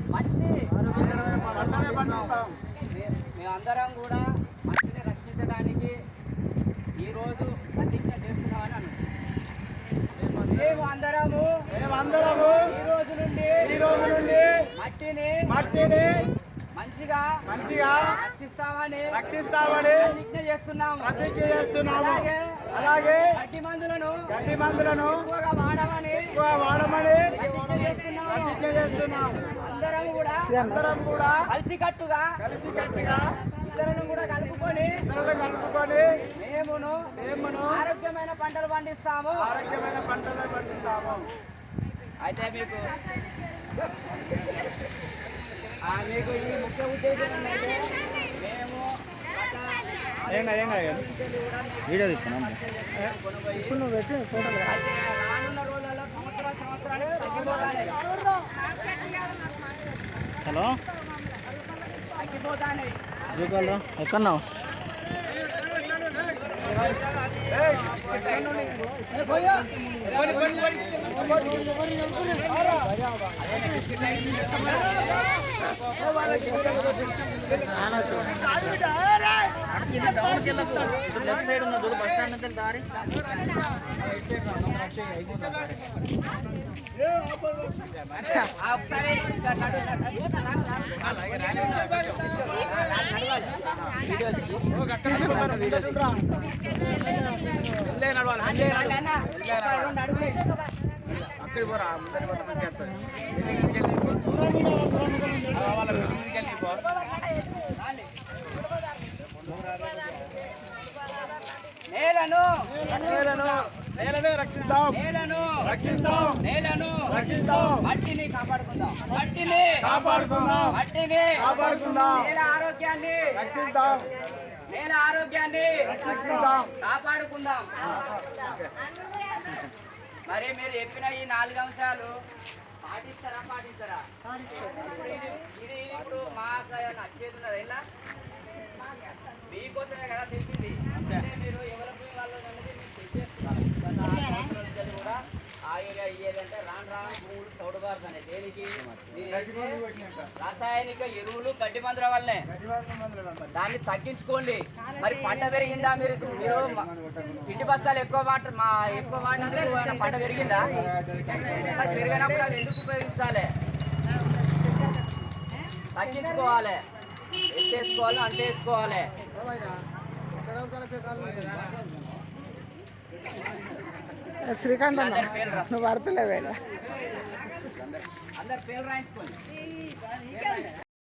మంచి మేమందరం కూడా మంచిని రక్షించడానికి ఈరోజు ప్రతిజ్ఞ చేస్తున్నామని అనుకుంటున్నాం. మేమందరము ఈ రోజు నుండి మట్టిని మంచిగా రక్షిస్తామని ప్రతిజ్ఞ చేస్తున్నాము. అలాగే గడ్డి మందులను ఎక్కువగా వాడమని ప్రతిజ్ఞ చేస్తున్నాము. అందరం కూడా కలిసికట్టుగా ఇతరులను కూడా కలుపుకొని మేమును ఆరోగ్యమైన పంటలు పండిస్తాము. అయితే మీకు ఈ ముఖ్య ఉద్దేశం ఏంటంటే మేము వీడియో తీసుకున్నాం. ఇప్పుడు నువ్వు పెట్టి ఫోటోలు రానున్న రోజులలో సంవత్సరానికి తగ్గిపోతాయి. హలో తగ్గిపోతాయి. ఎక్కడున్నావు? లెఫ్ట్ సైడ్ ఉన్న చూడు బస్ స్టాండ్ నుంచి దారి అక్కడికి పోరా ముందరి చేస్తారు. నేలను రక్షిస్తాం. మట్టిని కాపాడుకుందాం. నేల ఆరోగ్యాన్ని కాపాడుకుందాం. మరి మీరు చెప్పిన ఈ 4 అంశాలు పాటిస్తారా? ఇది ఇప్పుడు మాకు నచ్చేది ఉన్నది. ఇలా మీకోసమే కదా తెచ్చింది. అంటే మీరు ఎవరికి వాళ్ళు అనేది మీరు తెచ్చేస్తున్నారు. కూడా ఆ ఏరియా ఇయ్యేదంటే రాను భూములు చౌడుగారుతాయి. దేనికి? రాసాయనిక ఎరువులు గడ్డి మందుల వల్లనే. దాన్ని తగ్గించుకోండి. మరి పంట పెరిగిందా? మీరు ఇంటి బస్తాలు ఎక్కువ వాడినందుకు పంట పెరిగిందా? మరి పెరిగినప్పుడు అది ఎందుకు ఉపయోగించాలి? తగ్గించుకోవాలి. ఎత్తేసుకోవాలి, అంటేసుకోవాలి. శ్రీకాంత్ నువ్వు పడతలేవే. అందరు పేరు రాయించుకోండి.